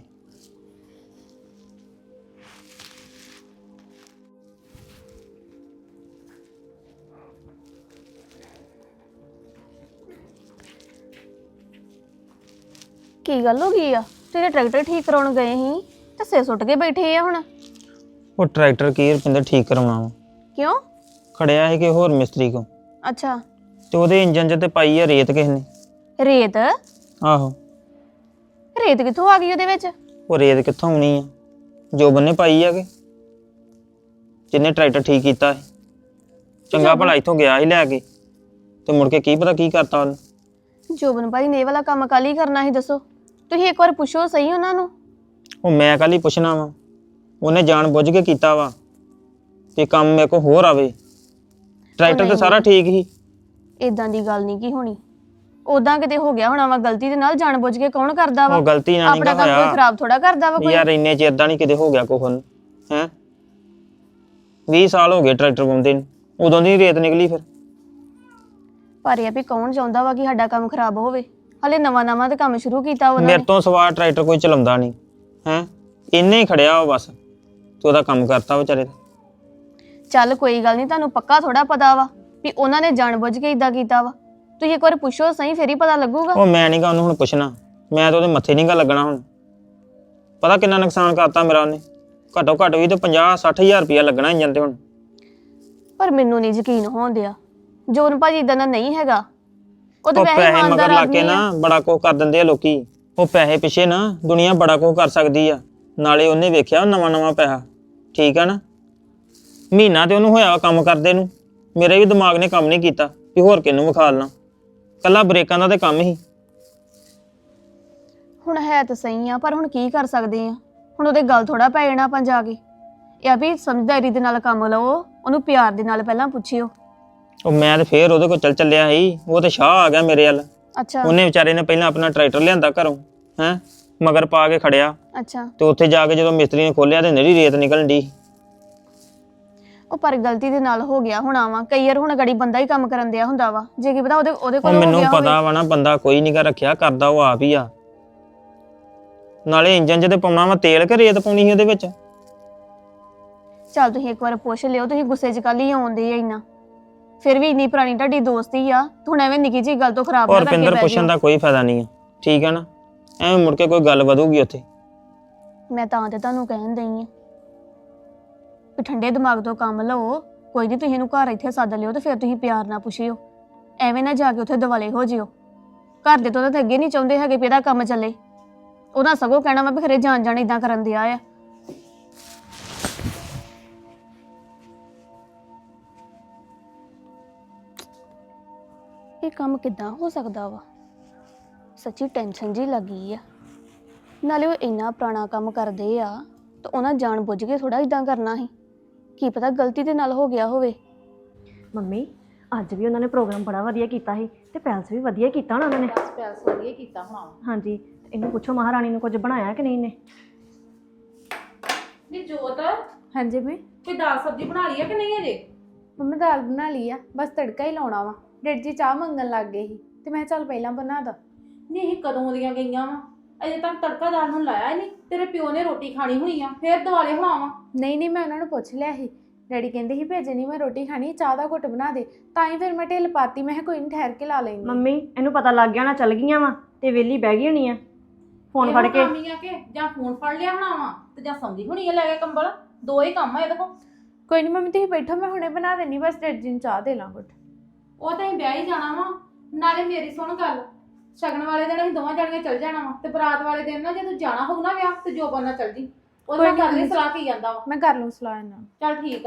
ਕੀ ਗੱਲ ਹੋ ਗਈ ਆ? ਤੇਰੇ ਟਰੈਕਟਰ ਠੀਕ ਕਰਾਉਣ ਗਏ ਸੀ ਤੇ ਸੇ ਸੁੱਟ ਕੇ ਬੈਠੇ ਆ ਹੁਣ। ਉਹ ਟਰੈਕਟਰ ਕੀ ਰੁਪਿੰਦਰ ਠੀਕ ਕਰਾਉਣਾ ਵਾ। ਕਿਉਂ? ਖੜਿਆ ਸੀ ਕਿ ਹੋਰ ਮਿਸਤਰੀ ਕੋ, ਅੱਛਾ, ਤੇ ਉਹਦੇ ਇੰਜਨ 'ਚ ਤੇ ਪਾਈ ਆ ਰੇਤ ਕਿਸ ਨੇ। ਰੇਤ? ਆਹੋ, ਰੇਤ ਕਿੱਥੋਂ ਆ ਗਈ ਉਹਦੇ ਵਿੱਚ? ਉਹ ਰੇਤ ਕਿੱਥੋਂ ਆਉਣੀ ਆ? ਜੋਬਨ ਨੇ ਪਾਈ ਆ ਕਿ ਜਿਹਨੇ ਟਰੈਕਟਰ ਠੀਕ ਕੀਤਾ ਸੀ। ਚੰਗਾ ਭਲਾ ਇੱਥੋਂ ਗਿਆ ਸੀ ਲੈ ਕੇ, ਤੇ ਮੁੜ ਕੇ ਕੀ ਪਤਾ ਕੀ ਕਰਤਾ ਉਹਨੇ। ਜੋਬਨ ਭਾਈ ਨੇ ਇਹ ਵਾਲਾ ਕੰਮ ਕੱਲ ਹੀ ਕਰਨਾ ਸੀ, ਦੱਸੋ? ਤੁਸੀਂ ਇੱਕ ਵਾਰ ਪੁੱਛੋ ਸਹੀ ਉਹਨਾਂ ਨੂੰ। ਉਹ ਮੈਂ ਕੱਲ ਹੀ ਪੁੱਛਣਾ ਵਾ, ਉਹਨੇ ਜਾਣ ਬੁੱਝ ਕੇ ਕੀਤਾ ਵਾ ਕਿ ਕੰਮ ਮੇਰੇ ਕੋਲ ਹੋਰ ਆਵੇ। ਟਰੈਕਟਰ ਤੇ ਸਾਰਾ ਠੀਕ ਸੀ। ਇਦਾਂ ਦੀ ਗੱਲ ਨਹੀਂ ਕੀ ਹੋਣੀ, ਉਦਾਂ ਕਿਤੇ ਹੋ ਗਿਆ ਹੋਣਾ ਵਾ ਗਲਤੀ ਦੇ ਨਾਲ। ਜਾਣ ਬੁੱਝ ਕੇ ਕੌਣ ਕਰਦਾ ਵਾ? ਉਹ ਗਲਤੀ ਨਾਲ ਆਪਣਾ ਨਹੀਂ ਕੰਮ ਕੋਈ ਹੋਇਆ ਖਰਾਬ ਥੋੜਾ ਕਰਦਾ ਵਾ ਕੋਈ। ਯਾਰ, ਇੰਨੇ ਚਿਰ ਦਾ ਨਹੀਂ ਕਿਤੇ ਹੋ ਗਿਆ ਕੋਹਨ ਹੈ। ਵੀਹ ਸਾਲ ਹੋ ਗਏ ਟਰੈਕਟਰ ਪਾਉਂਦੇ ਨੂੰ, ਉਦੋਂ ਦੀ ਰੇਤ ਨਿਕਲੀ ਫਿਰ। ਪਰ ਇਹ ਆ ਵੀ ਕੌਣ ਚਾਹੁੰਦਾ ਵਾ ਕਿ ਸਾਡਾ ਕੰਮ ਖਰਾਬ ਹੋਵੇ? ਹਲੇ ਨਵਾਂ ਨਵਾਂ ਤੇ ਕੰਮ ਸ਼ੁਰੂ ਕੀਤਾ ਉਹਨਾਂ ਮੇਰੇ ਨੇ। ਤੋਂ ਸਵਾਰ ਟਰੈਕਟਰ ਕੋਈ ਚਲਾਉਂਦਾ ਨਹੀਂ ਹੈ, ਇੰਨੇ ਹੀ ਖੜਿਆ ਵਾ ਬਸ, ਤੇ ਉਹਦਾ ਕੰਮ ਕਰਤਾ ਵਿਚਾਰੇ ਦਾ। ਚੱਲ ਕੋਈ ਗੱਲ ਨਹੀਂ, ਤੁਹਾਨੂੰ ਪੱਕਾ ਥੋੜਾ ਪਤਾ ਵਾ ਵੀ ਉਹਨਾਂ ਨੇ ਜਾਣ ਬੁੱਝ ਕੇ ਇਦਾਂ ਕੀਤਾ ਵਾ। ਤੁਸੀਂ ਇੱਕ ਵਾਰ ਪੁੱਛੋ ਸਹੀ, ਫੇਰ ਹੀ ਪਤਾ ਲੱਗੂਗਾ। ਉਹ ਮੈਂ ਨਹੀਂ ਗਾ ਉਹਨੂੰ ਹੁਣ ਪੁੱਛਣਾ, ਮੈਂ ਤਾਂ ਉਹਦੇ ਮੱਥੇ ਨਹੀਂ ਗਾ ਲੱਗਣਾ ਹੁਣ। ਪਤਾ ਕਿੰਨਾ ਨੁਕਸਾਨ ਕਰਤਾ ਮੇਰਾ ਉਹਨੇ, ਘੱਟੋ ਘੱਟ ਵੀ ਤੇ ਪੰਜਾਹ ਸੱਠ ਹਜ਼ਾਰ ਰੁਪਇਆ ਲੱਗਣਾ ਇੰਜਨ ਤੇ ਹੁਣ। ਪਰ ਮੈਨੂੰ ਨਹੀਂ ਯਕੀਨ ਹੋਣ ਦਿਆ, ਜੋਨ ਭਾਜੀ ਇਦਾਂ ਦਾ ਨਹੀਂ ਹੈਗਾ। ਉਹ ਤਾਂ ਉਹ ਵੈਸੇ ਪੈਸੇ ਮਗਰ ਇਮਾਨਦਾਰ ਲਾ ਕੇ ਆਦਮੀ ਨਾ ਆ। ਬੜਾ ਕੁਝ ਕਰ ਦਿੰਦੇ ਆ ਲੋਕੀ। ਉਹ ਪੈਸੇ ਪਿੱਛੇ ਨਾ ਦੁਨੀਆ ਬੜਾ ਕੁਝ ਕਰ ਸਕਦੀ ਆ। ਨਾਲੇ ਉਹਨੇ ਵੇਖਿਆ ਨਵਾਂ ਨਵਾਂ ਪੈਸਾ, ਠੀਕ ਆ ਨਾ। ਮਹੀਨਾ ਤੇ ਉਹਨੂੰ ਹੋਇਆ ਕੰਮ ਕਰਦੇ ਨੂੰ, ਮੇਰੇ ਵੀ ਦਿਮਾਗ ਨੇ ਕੰਮ ਨਹੀਂ ਕੀਤਾ ਵੀ ਹੋਰ ਕਿਹਨੂੰ ਵਿਖਾ ਲਣਾ। ਕੱਲਾ ਬ੍ਰੇਕਾਂ ਦਾ ਤੇ ਕੰਮ ਹੀ। ਹੁਣ ਹੈ ਤਾਂ ਸਹੀ ਆ, ਪਰ ਹੁਣ ਕੀ ਕਰ ਸਕਦੇ ਆ? ਹੁਣ ਉਹਦੇ ਗੱਲ ਥੋੜਾ ਪੈ ਜਾਣਾ ਆਪਾਂ ਜਾ ਕੇ। ਇਹ ਆ ਵੀ ਸਮਝਦਾਰੀ ਦੇ ਨਾਲ ਕੰਮ ਲਓ, ਉਹਨੂੰ ਪਿਆਰ ਦੇ ਨਾਲ ਪਹਿਲਾਂ ਪੁੱਛਿਓ। ਉਹ ਮੈਂ ਤੇ ਫੇਰ ਉਹਦੇ ਕੋਲ ਚੱਲ ਚੱਲਿਆ ਸੀ, ਉਹ ਤੇ ਸ਼ਾਹ ਆ ਗਿਆ ਮੇਰੇ ਵੱਲ। ਅੱਛਾ ਉਹਨੇ ਵਿਚਾਰੇ ਨੇ ਪਹਿਲਾਂ ਆਪਣਾ ਟਰੈਕਟਰ ਲਿਆਂਦਾ ਘਰੋਂ, ਹੈ ਮਗਰ ਪਾ ਕੇ ਖੜਿਆ, ਅੱਛਾ। ਤੇ ਉੱਥੇ ਜਾ ਕੇ ਜਦੋਂ ਮਿਸਤਰੀ ਨੇ ਖੋਲਿਆ ਤੇ ਨਰੀ ਰੇਤ ਨਿਕਲਣ ਦੀ। ਉਹ ਪਰ ਗਲਤੀ ਦੇ ਨਾਲ ਹੋ ਗਿਆ ਹੋਣਾ ਵਾ। ਕਈ ਵਾਰ ਹੁਣ ਗੜੀ ਬੰਦਾ ਹੀ ਕੰਮ ਕਰਨ ਦਿਆ ਹੁੰਦਾ ਵਾ, ਜੇ ਕੀ ਪਤਾ ਉਹਦੇ ਉਹਦੇ ਉਹ ਕੋਲ ਹੋ ਮੈਨੂੰ ਗਿਆ ਪਤਾ ਹੋਵੇ। ਵਾ ਨਾ, ਬੰਦਾ ਕੋਈ ਨਹੀਂ ਗਾ ਰੱਖਿਆ, ਕਰਦਾ ਉਹ ਆਪ ਹੀ ਆ। ਨਾਲੇ ਇੰਜਨ 'ਚ ਤੇ ਪਾਉਣਾ ਵਾ ਤੇਲ ਕਿ ਰੇਤ ਪਾਉਣੀ ਸੀ ਉਹਦੇ ਵਿੱਚ। ਚੱਲ ਤੁਸੀਂ ਇੱਕ ਵਾਰ ਪੁੱਛ ਲਿਓ, ਤੁਸੀਂ ਗੁੱਸੇ 'ਚ ਕੱਲ ਹੀ ਆਉਂਦੇ ਆ ਇੰਨਾ। ਫਿਰ ਵੀ ਇੰਨੀ ਪੁਰਾਣੀ ਤੁਹਾਡੀ ਦੋਸਤੀ ਆ, ਹੁਣ ਐਵੇਂ ਨਿੱਕੀ ਜਿਹੀ ਗੱਲ ਤੋਂ ਖਰਾਬ ਨਾ ਔਰ ਕਰਕੇ ਪਿੰਦਰ ਬਹਿ ਪੁੱਛਣ ਜਾਓ। ਦਾ ਕੋਈ ਫਾਇਦਾ ਨਹੀਂ ਆ, ਠੀਕ ਹੈ ਨਾ। ਐਵੇਂ ਮੁੜ ਕੇ ਕੋਈ ਗੱਲ ਵਧੂਗੀ ਉੱਥੇ। ਮੈਂ ਤਾਂ ਤੇ ਤੁਹਾਨੂੰ ਕਹਿਣ ਦਈ ਆ ਵੀ ਠੰਡੇ ਦਿਮਾਗ ਤੋਂ ਕੰਮ ਲਓ। ਕੋਈ ਨਹੀਂ, ਤੁਸੀਂ ਇਹਨੂੰ ਘਰ ਇੱਥੇ ਸੱਦ ਲਿਓ ਤੇ ਫਿਰ ਤੁਸੀਂ ਪਿਆਰ ਨਾਲ ਪੁੱਛਿਓ ਐਵੇਂ ਨਾ ਜਾ ਕੇ ਉੱਥੇ ਦਿਵਾਲੇ ਹੋ ਜਿਓ। ਘਰ ਦੇ ਤੋਂ ਤਾਂ ਅੱਗੇ ਨਹੀਂ ਚਾਹੁੰਦੇ ਹੈਗੇ ਵੀ ਇਹਦਾ ਕੰਮ ਚੱਲੇ। ਉਹਨਾਂ ਸਗੋਂ ਕਹਿਣਾ ਵਾ ਵੀ ਖਰੇ ਜਾਣ ਜਾਣ ਇਦਾਂ ਕਰਨ ਦਿਆ ਆ। ਇਹ ਕੰਮ ਕਿੱਦਾਂ ਹੋ ਸਕਦਾ ਵਾ? ਸੱਚੀ ਟੈਨਸ਼ਨ ਜੀ ਲੱਗੀ ਆ। ਨਾਲੇ ਉਹ ਇੰਨਾ ਪੁਰਾਣਾ ਕੰਮ ਕਰਦੇ ਆ ਤਾਂ ਉਹਨਾਂ ਜਾਣ ਬੁੱਝ ਕੇ ਥੋੜਾ ਇਦਾਂ ਕਰਨਾ ਸੀ। ਕੀ ਪਤਾ ਗਲਤੀ ਦੇ ਨਾਲ ਹੋ ਗਿਆ ਹੋਵੇ। ਮੰਮੀ ਅੱਜ ਵੀ ਉਹਨਾਂ ਨੇ ਪ੍ਰੋਗਰਾਮ ਬੜਾ ਵਧੀਆ ਕੀਤਾ ਸੀ ਤੇ ਪੈਲਸ ਵੀ ਵਧੀਆ ਕੀਤਾ ਨਾ ਉਹਨਾਂ ਨੇ। ਪੈਲਸ ਵਧੀਆ ਕੀਤਾ ਹੋਣਾ। ਹਾਂਜੀ ਤੇ ਇਹਨੂੰ ਪੁੱਛੋ ਮਹਾਰਾਣੀ ਨੂੰ ਕੁਝ ਬਣਾਇਆ ਕਿ ਨਹੀਂ ਨੇ। ਨੀ ਜੋਤ ਹਾਂਜੀ ਮੈਂ ਕੋਈ ਦਾਲ ਸਬਜ਼ੀ ਬਣਾ ਲਈ ਆ ਕਿ ਨਹੀਂ ਅਜੇ? ਮੰਮੀ ਦਾਲ ਬਣਾ ਲਈ ਆ, ਬਸ ਤੜਕਾ ਹੀ ਲਾਉਣਾ ਵਾ। ਡੈਡ ਜੀ ਚਾਹ ਮੰਗਣ ਲੱਗ ਗਏ ਸੀ ਤੇ ਮੈਂ ਕਿਹਾ ਚੱਲ ਪਹਿਲਾਂ ਬਣਾ ਦਾਂ। ਨਹੀਂ ਇਹ ਕਦੋਂ ਦੀਆਂ ਗਈਆਂ ਵਾ, ਅਜੇ ਤੱਕ ਤੜਕਾ ਦਾਲ ਨੂੰ ਲਾਇਆ ਹੀ ਨਹੀਂ। ਤੇਰੇ ਪਿਓ ਨੇ ਰੋਟੀ ਖਾਣੀ ਹੋਣੀ ਆ, ਫੇਰ ਦਿਵਾਲੇ ਹੋਣਾ ਵਾ। ਨਹੀਂ ਨਹੀਂ ਮੈਂ ਉਹਨਾਂ ਨੂੰ ਪੁੱਛ ਲਿਆ ਸੀ। ਡੈਡੀ ਕਹਿੰਦੇ ਸੀ ਭੇਜੇ ਨਹੀਂ ਮੈਂ ਰੋਟੀ ਖਾਣੀ, ਚਾਹ ਦਾ ਘੁੱਟ ਬਣਾ ਦੇ। ਤਾਂ ਹੀ ਫਿਰ ਮੈਂ ਢਿੱਲ ਪਾਤੀ। ਮੈਂ ਕਿਹਾ ਕੋਈ ਨਹੀਂ ਠਹਿਰ ਕੇ ਲਾ ਲੈਂਦੀ। ਮੰਮੀ ਇਹਨੂੰ ਪਤਾ ਲੱਗ ਗਿਆ ਨਾ ਚੱਲ ਗਈਆਂ ਵਾ ਤੇ ਵੇਲੀ ਬਹਿ ਗਈ ਹੋਣੀ ਆ ਫੋਨ ਫੜ ਕੇ। ਆ ਕੇ ਜਾਂ ਫੋਨ ਫੜ ਲਿਆ ਹੋਣਾ ਵਾ ਤੇ ਜਾਂ ਸੌਂਦੀ ਹੋਣੀ ਆ ਲੈ ਕੇ ਕੰਬਲ। ਦੋ ਹੀ ਕੰਮ ਆ ਇਹਦੇ ਕੋਲ। ਕੋਈ ਨਹੀਂ ਮੰਮੀ ਤੁਸੀਂ ਬੈਠੋ, ਮੈਂ ਹੁਣੇ ਬਣਾ ਦੇਣੀ। ਬਸ ਡੈਡ ਜੀ ਨੂੰ ਚਾਹ ਦੇ ਲਾਂ ਘੁੱਟ। ਉਹ ਤਾਂ ਅਸੀਂ ਵਿਆਹ ਹੀ ਜਾਣਾ ਵਾ। ਨਾਲੇ ਮੇਰੀ ਸੁਣ ਗੱਲ, ਸ਼ਗਨ ਵਾਲੇ ਦਿਨ ਅਸੀਂ ਦੋਵਾਂ ਜਣੀਆਂ ਚੱਲ ਜਾਣਾ ਵਾ ਤੇ ਬਰਾਤ ਵਾਲੇ ਦਿਨ ਨਾ ਜੇ ਤੂੰ ਜਾਣਾ ਹੋਊ ਨਾ ਵਿਆਹ ਤੇ ਜੋ ਬੰਨਾ ਚੱਲ ਜੀ। ਉਹਦੇ ਨਾਲ ਕਰ ਲਈ ਸਲਾਹ ਕੀ ਜਾਂਦਾ ਵਾ। ਮੈਂ ਕਰ ਲੂੰ ਸਲਾਹ ਇਹਨਾਂ ਨਾਲ। ਚੱਲ ਠੀਕ ਆ।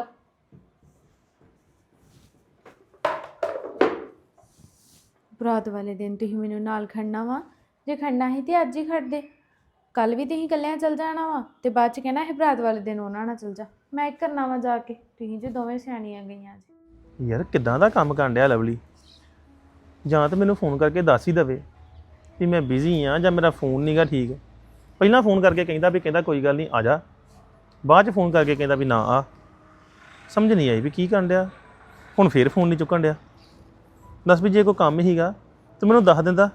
ਬਰਾਤ ਵਾਲੇ ਦਿਨ ਤੁਸੀਂ ਮੈਨੂੰ ਨਾਲ ਖੜਨਾ ਵਾ। ਜੇ ਖੜਨਾ ਸੀ ਤੇ ਅੱਜ ਹੀ ਖੜਦੇ। ਕੱਲ ਵੀ ਤੁਸੀਂ ਇਕੱਲਿਆਂ ਚੱਲ ਜਾਣਾ ਵਾ ਤੇ ਬਾਅਦ ਚ ਕਹਿਣਾ ਇਹ ਬਰਾਤ ਵਾਲੇ ਦਿਨ ਉਹਨਾਂ ਨਾਲ ਚੱਲ ਜਾ। ਮੈਂ ਇੱਕ ਕਰਨਾ ਵਾ ਜਾ ਕੇ। ਤੁਸੀਂ ਜੇ ਦੋਵੇਂ ਸਿਆਣੀਆਂ ਗਈਆਂ ਜੀ। ਯਾਰ ਕਿੱਦਾਂ ਦਾ ਕੰਮ ਕਰਨ ਡਿਆ ਲਵਲੀ? ਜਾਂ ਤਾਂ ਮੈਨੂੰ ਫੋਨ ਕਰਕੇ ਦੱਸ ਹੀ ਦਵੇ ਵੀ ਮੈਂ ਬਿਜ਼ੀ ਆ ਜਾਂ ਮੇਰਾ ਫੋਨ ਨਹੀਂਗਾ ਠੀਕ। ਪਹਿਲਾਂ ਫੋਨ ਕਰਕੇ ਕਹਿੰਦਾ ਵੀ ਕਹਿੰਦਾ ਕੋਈ ਗੱਲ ਨਹੀਂ ਆ ਜਾ, ਬਾਅਦ 'ਚ ਫੋਨ ਕਰਕੇ ਕਹਿੰਦਾ ਵੀ ਨਾ ਆ। ਸਮਝ ਨਹੀਂ ਆਈ ਵੀ ਕੀ ਕਰਨ ਡਿਆ। ਹੁਣ ਫੇਰ ਫੋਨ ਨਹੀਂ ਚੁੱਕਣ ਡਿਆ। ਦੱਸ ਵੀ ਜੇ ਕੋਈ ਕੰਮ ਹੀਗਾ ਤਾਂ ਮੈਨੂੰ ਦੱਸ ਦਿੰਦਾ।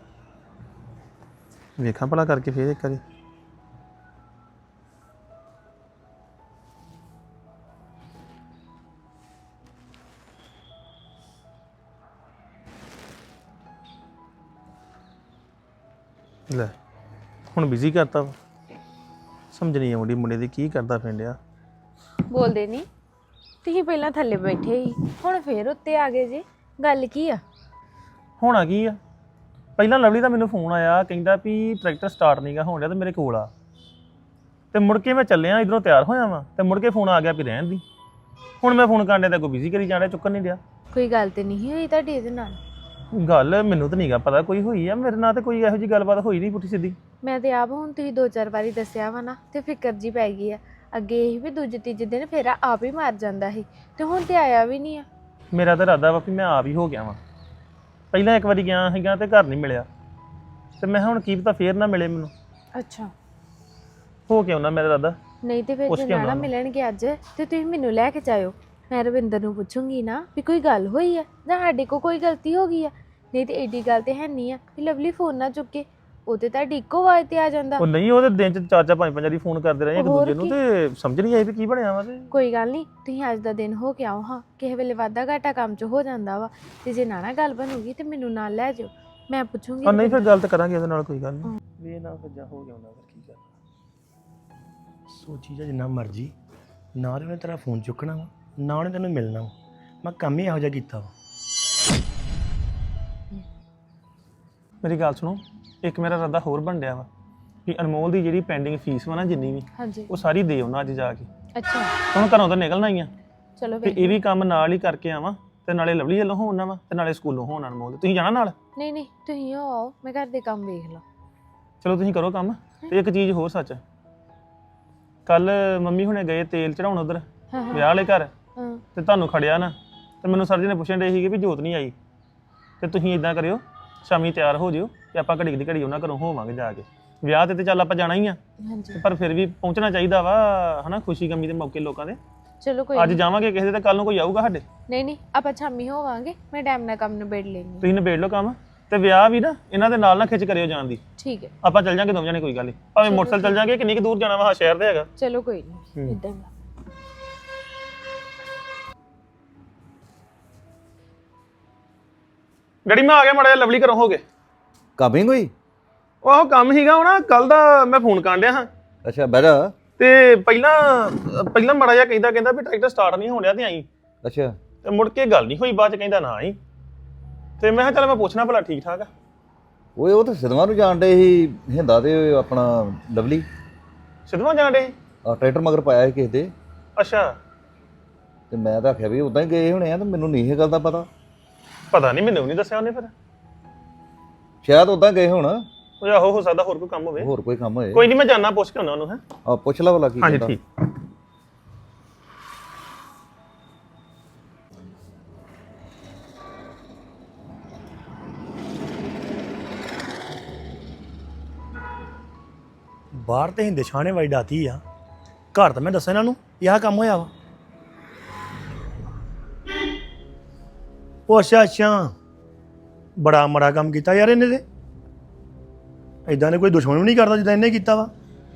ਵੇਖਾਂ ਭਲਾ ਕਰਕੇ ਫੇਰ ਇੱਕ ਵਾਰੀ। ਲੈ ਹੁਣ ਬਿਜ਼ੀ ਕਰਤਾ ਵਾ। ਸਮਝ ਨਹੀਂ ਆਉਂਦੀ ਮੁੰਡੇ ਦੀ ਕੀ ਕਰਦਾ ਫਿੰਡਿਆ। ਬੋਲਦੇ ਨਹੀਂ। ਤੁਸੀਂ ਪਹਿਲਾਂ ਥੱਲੇ ਬੈਠੇ ਸੀ, ਹੁਣ ਫੇਰ ਉੱਤੇ ਆ ਗਏ ਜੀ। ਗੱਲ ਕੀ ਆ? ਹੋਣਾ ਕੀ ਆ, ਪਹਿਲਾਂ ਲਵਲੀ ਦਾ ਮੈਨੂੰ ਫੋਨ ਆਇਆ ਕਹਿੰਦਾ ਵੀ ਟਰੈਕਟਰ ਸਟਾਰਟ ਨਹੀਂਗਾ ਹੋਣ ਡਿਆ ਤੇ ਮੇਰੇ ਕੋਲ ਆ। ਤੇ ਮੁੜ ਕੇ ਮੈਂ ਚੱਲਿਆ ਇਧਰੋਂ ਤਿਆਰ ਹੋਇਆ ਵਾਂ ਤੇ ਮੁੜ ਕੇ ਫੋਨ ਆ ਗਿਆ ਵੀ ਰਹਿਣ ਦੀ। ਹੁਣ ਮੈਂ ਫੋਨ ਕਰਨ ਡਿਆ ਤਾਂ ਕੋਈ ਬਿਜ਼ੀ ਕਰੀ ਜਾਣ ਡਿਆ, ਚੁੱਕਣ ਨਹੀਂ ਡਿਆ। ਕੋਈ ਗੱਲ ਤੇ ਨਹੀਂ ਹੋਈ ਤੁਹਾਡੀ ਇਹਦੇ ਨਾਲ? ਗੱਲ ਮੈਨੂੰ ਤਾਂ ਨਹੀਂਗਾ ਪਤਾ ਕੋਈ ਹੋਈ ਆ। ਮੇਰੇ ਨਾਲ ਤੇ ਕੋਈ ਇਹੋ ਜਿਹੀ ਗੱਲਬਾਤ ਹੋਈ ਨਹੀਂ ਪੁੱਠੀ ਸਿੱਧੀ। ਮੈਂ ਤੇ ਆਪ ਹੁਣ ਤੁਸੀਂ ਦੋ ਚਾਰ ਵਾਰੀ ਦੱਸਿਆ ਵਾ ਨਾ ਤੇ ਫਿਕਰ ਜੀ ਪੈ ਗਈ ਆ। ਅੱਗੇ ਇਹ ਵੀ ਦੂਜੇ ਤੀਜੇ ਦਿਨ ਫੇਰ ਆਪ ਹੀ ਮਾਰ ਜਾਂਦਾ ਸੀ ਤੇ ਹੁਣ ਤੇ ਆਇਆ ਵੀ ਨਹੀਂ ਆ। ਮੇਰਾ ਤਾਂ ਇਰਾਦਾ ਵਾ ਵੀ ਮੈਂ ਆਪ ਹੀ ਹੋ ਗਿਆ ਵਾਂ। ਪਹਿਲਾਂ ਇੱਕ ਵਾਰੀ ਗਿਆ ਸੀਗਾ ਤੇ ਘਰ ਨਹੀਂ ਮਿਲਿਆ ਤੇ ਮੈਂ ਹੁਣ ਕੀ ਪਤਾ ਫੇਰ ਨਾ ਮਿਲੇ ਮੈਨੂੰ। ਅੱਛਾ ਹੋ ਕੇ ਆਉਣਾ ਮੇਰਾ ਇਰਾਦਾ। ਨਹੀਂ ਤੇ ਫਿਰ ਪੁੱਛ ਜੇ ਕੇ ਆਉਣਾ ਨਾ ਮੈਂ। ਮਿਲਣਗੇ ਅੱਜ ਤੇ ਤੁਸੀਂ ਮੈਨੂੰ ਲੈ ਕੇ ਜਾਇਓ। ਮੈਂ ਰਵਿੰਦਰ ਨੂੰ ਪੁੱਛੂੰਗੀ ਨਾ ਵੀ ਕੋਈ ਗੱਲ ਹੋਈ ਆ ਜਾਂ ਸਾਡੇ ਕੋਲ ਕੋਈ ਗਲਤੀ ਹੋ ਗਈ ਆ। ਨਹੀਂ ਤੇ ਏਡੀ ਗੱਲ ਤੇ ਹੈ ਨਹੀਂ ਆ ਵੀ ਲਵਲੀ ਫੋਨ ਨਾ ਚੁੱਕੇ। ਉਹ ਤੇ ਤੁਹਾਡੀ ਇੱਕੋ ਆਵਾਜ਼ ਤੇ ਆ ਜਾਂਦਾ। ਉਹ ਨਹੀਂ ਉਹਦੇ ਦਿਨ ਚ ਚਾਰ ਚਾਰ ਪੰਜ ਪੰਜ ਵਾਰੀ ਫੋਨ ਕਰਦੇ ਰਹੇ ਇੱਕ ਹੋਰ ਦੂਜੇ ਨੂੰ ਕੀ। ਤੇ ਸਮਝ ਨਹੀਂ ਆਈ ਵੀ ਕੀ ਬਣਿਆ ਵਾ। ਤੇ ਕੋਈ ਗੱਲ ਨਹੀਂ, ਤੁਸੀਂ ਅੱਜ ਦਾ ਦਿਨ ਹੋ ਕੇ ਆਓ। ਹਾਂ ਕਿਸੇ ਵੇਲੇ ਵਾਧਾ ਘਾਟਾ ਕੰਮ 'ਚ ਹੋ ਜਾਂਦਾ ਵਾ ਤੇ ਜੇ ਨਾ ਨਾ ਗੱਲ ਬਣੂਗੀ ਤੇ ਮੈਨੂੰ ਨਾਲ ਲੈ ਜਾਓ। ਮੈਂ ਪੁੱਛੂੰਗੀ। ਆ ਨਹੀਂ ਫਿਰ ਗੱਲ ਤਾਂ ਕਰਾਂਗੇ ਉਹਦੇ ਨਾਲ, ਕੋਈ ਗੱਲ ਨਹੀਂ। ਵੀ ਇਹ ਨਾ ਫਿਰ ਜਾ ਹੋ ਗਿਆ ਹੁੰਦਾ ਫਿਰ ਕੀ ਕਰਨਾ। ਸੋਚੀ ਜਾ ਜਿੰਨਾ ਮਰਜ਼ੀ, ਨਾ ਤੇ ਉਹਨੇ ਤੇਰਾ ਫੋਨ ਚੁੱਕਣਾ ਵਾ ਨਾ ਉਹਨੇ ਤੈਨੂੰ ਮਿਲਣਾ ਵਾ। ਮੈਂ ਕੰਮ ਹੀ ਇਹੋ ਜਿਹਾ ਕੀਤਾ ਵਾ। ਮੇਰੀ ਗੱਲ ਸੁਣੋ, ਇੱਕ ਮੇਰਾ ਇਰਾਦਾ ਹੋਰ ਬਣ ਡਿਆ ਵਾ ਵੀ ਅਨਮੋਲ ਦੀ ਜਿਹੜੀ ਪੈਂਡਿੰਗ ਫੀਸ ਵਾ ਨਾ ਜਿੰਨੀ ਵੀ, ਹਾਂਜੀ ਉਹ ਸਾਰੀ ਦੇ ਆਉਣਾ ਅੱਜ ਜਾ ਕੇ। ਅੱਛਾ ਹੁਣ ਘਰੋਂ ਤਾਂ ਨਿਕਲਣਾ ਹੀ ਆ ਚਲੋ ਤੇ ਵੇਖ ਇਹ ਵੀ ਕੰਮ ਨਾਲ ਹੀ ਕਰਕੇ ਆਵਾਂ ਤੇ ਨਾਲੇ ਲਵਲੀ ਵੱਲੋਂ ਹੋਣਾ ਵਾ ਤੇ ਨਾਲੇ ਸਕੂਲੋਂ ਹੋਣਾ ਅਨਮੋਲ। ਤੁਸੀਂ ਜਾਣਾ ਨਾਲ? ਨਹੀਂ ਨਹੀਂ ਤੁਸੀਂ ਹੋ ਆਓ, ਮੈਂ ਘਰ ਦੇ ਕੰਮ ਵੇਖ ਲਾਂ। ਚਲੋ ਤੁਸੀਂ ਕਰੋ ਕੰਮ। ਤੇ ਇੱਕ ਚੀਜ਼ ਹੋਰ ਸੱਚ, ਕੱਲ ਮੰਮੀ ਹੁਣੇ ਗਏ ਤੇਲ ਚੜਾਉਣ ਉਧਰ ਹਾਂ ਹਾਂ ਵਿਆਹ ਵਾਲੇ ਘਰ ਹਾਂ ਤੇ ਤੁਹਾਨੂੰ ਖੜਿਆ ਨਾ ਤੇ ਮੈਨੂੰ ਸਰ ਜੀ ਨੇ ਪੁੱਛਣ ਡੇ ਸੀਗੇ ਵੀ ਜੋਤ ਨਹੀਂ ਆਈ। ਤੇ ਤੁਸੀਂ ਇਦਾਂ ਕਰਿਓ ਸ਼ਾਮੀ ਤਿਆਰ ਹੋ ਜਿਓ ਤੇ ਆਪਾਂ ਘੜੀ ਦੀ ਘੜੀ ਉਹਨਾਂ ਘਰੋਂ ਹੋਵਾਂਗੇ ਜਾ ਕੇ। ਵਿਆਹ ਤੇ ਤੇ ਚੱਲ ਆਪਾਂ ਜਾਣਾ ਹੀ ਆ ਹਾਂਜੀ ਪਰ ਫਿਰ ਵੀ ਪਹੁੰਚਣਾ ਚਾਹੀਦਾ ਵਾ ਹਨਾ, ਖੁਸ਼ੀ ਗਮੀ ਦੇ ਮੌਕੇ ਲੋਕਾਂ ਦੇ। ਚਲੋ ਕੋਈ ਅੱਜ ਨਹੀਂ ਜਾਵਾਂਗੇ ਕਿਸੇ ਦੇ ਤੇ ਕੱਲ ਨੂੰ ਕੋਈ ਆਊਗਾ ਸਾਡੇ। ਨਹੀਂ ਨਹੀਂ ਆਪਾਂ ਸ਼ਾਮੀ ਹੋਵਾਂਗੇ। ਮੈਂ ਟਾਈਮ ਨਾਲ ਕੰਮ ਨਿਬੇੜ ਲੈਂਗੀ। ਤੁਸੀਂ ਨਿਬੇੜ ਲਓ ਕੰਮ ਤੇ ਵਿਆਹ ਵੀ ਨਾ ਇਹਨਾਂ ਦੇ ਨਾਲ ਨਾ ਖਿੱਚ ਕਰਿਓ ਜਾਣ ਦੀ। ਠੀਕ ਹੈ ਆਪਾਂ ਚੱਲ ਜਾਾਂਗੇ ਦੋਵੇਂ ਜਾਣੇ, ਕੋਈ ਗੱਲ ਨਹੀਂ। ਭਾਵੇਂ ਮੋਟਰਸਾਈਕਲ ਚੱਲ ਜਾਾਂਗੇ, ਕਿੰਨੀ ਕੁ ਦੂਰ ਜਾਣਾ ਵਾ ਸ਼ਹਿਰ ਦੇ ਹੈਗਾ। ਚਲੋ ਕੋਈ ਨਹੀਂ ਇਦਾਂ ਹੀ। ਗੜੀ ਮੈਂ ਆ ਗਿਆ ਮਾੜਾ ਜਿਹਾ ਲਵਲੀ ਘਰੋਂ ਹੋ ਕੇ। ਕਾਬਿੰਗ ਹੋਈ? ਉਹ ਆਹੋ ਕੰਮ ਸੀਗਾ ਉਹ ਨਾ ਕੱਲ ਦਾ ਮੈਂ ਫੋਨ ਕਰਨ ਡਿਆ ਹਾਂ ਅੱਛਾ ਬਹਿ ਜਾ। ਤੇ ਪਹਿਲਾਂ ਪਹਿਲਾਂ ਮਾੜਾ ਜਿਹਾ ਕਹਿੰਦਾ ਕਹਿੰਦਾ ਵੀ ਟਰੈਕਟਰ ਸਟਾਰਟ ਨਹੀਂ ਹੋਣ ਡਿਆ ਤੇ ਆਈ। ਅੱਛਾ ਤੇ ਮੁੜ ਕੇ ਗੱਲ ਨਹੀਂ ਹੋਈ, ਬਾਅਦ ਚ ਕਹਿੰਦਾ ਨਾ ਆਈ। ਤੇ ਮੈਂ ਕਿਹਾ ਚੱਲ ਮੈਂ ਪੁੱਛਣਾ ਭਲਾ ਠੀਕ ਠਾਕ ਆ। ਓਏ ਉਹ ਤਾਂ ਸਿਧਵਾਂ ਨੂੰ ਜਾਣ ਡੇ ਸੀ ਹਿੰਦਾ ਤੇ ਆਪਣਾ ਲਵਲੀ ਸਿੱਧਵਾਂ ਜਾਣ ਡੇ ਸੀ? ਆ ਟਰੈਕਟਰ ਮਗਰ ਪਾਇਆ ਸੀ ਕਿਸੇ ਦੇ, ਅੱਛਾ ਤੇ ਮੈਂ ਤਾਂ ਆਖਿਆ ਵੀ ਉਦਾਂ ਹੀ ਗਏ ਹੋਣੇ ਆ, ਤੇ ਮੈਨੂੰ ਨਹੀਂ ਇਹ ਗੱਲ ਦਾ ਪਤਾ। ਪਤਾ ਨਹੀਂ, ਮੈਨੂੰ ਨਹੀਂ ਦੱਸਿਆ ਉਹਨੇ ਫਿਰ। ਸ਼ਾਇਦ ਉਦਾਂ ਗਏ ਹੋਣ, ਉਹ ਆਹੋ ਹੋ ਸਕਦਾ ਹੋਰ ਕੋਈ ਕੰਮ ਹੋਵੇ। ਹੋਰ ਕੋਈ ਕੰਮ ਹੋਏ। ਕੋਈ ਨਹੀਂ, ਮੈਂ ਜਾਣਾ ਪੁੱਛ ਕੇ ਆਉਣਾ ਉਹਨੂੰ। ਹੈ ਆ ਪੁੱਛ ਲਾ ਭਲਾ ਕੀ ਹਾਂਜੀ ਕਹਿੰਦਾ। ਠੀਕ। ਬਾਹਰ ਤੇ ਹਿੰਦੇ ਛਾਣੇ ਵਾਲੀ ਡਾਤੀ ਆ, ਘਰ ਤਾਂ ਮੈਂ ਦੱਸਿਆ ਇਹਨਾਂ ਨੂੰ ਵੀ ਆਹ ਕੰਮ ਹੋਇਆ ਵਾ। ਉਹ ਅੱਛਾ ਅੱਛਾ, ਬੜਾ ਮਾੜਾ ਕੰਮ ਕੀਤਾ ਯਾਰ ਇਹਨੇ ਤੇ। ਇਦਾਂ ਦੇ ਕੋਈ ਦੁਸ਼ਮਣ ਵੀ ਨਹੀਂ ਕਰਦਾ ਜਿੱਦਾਂ ਇਹਨੇ ਕੀਤਾ ਵਾ।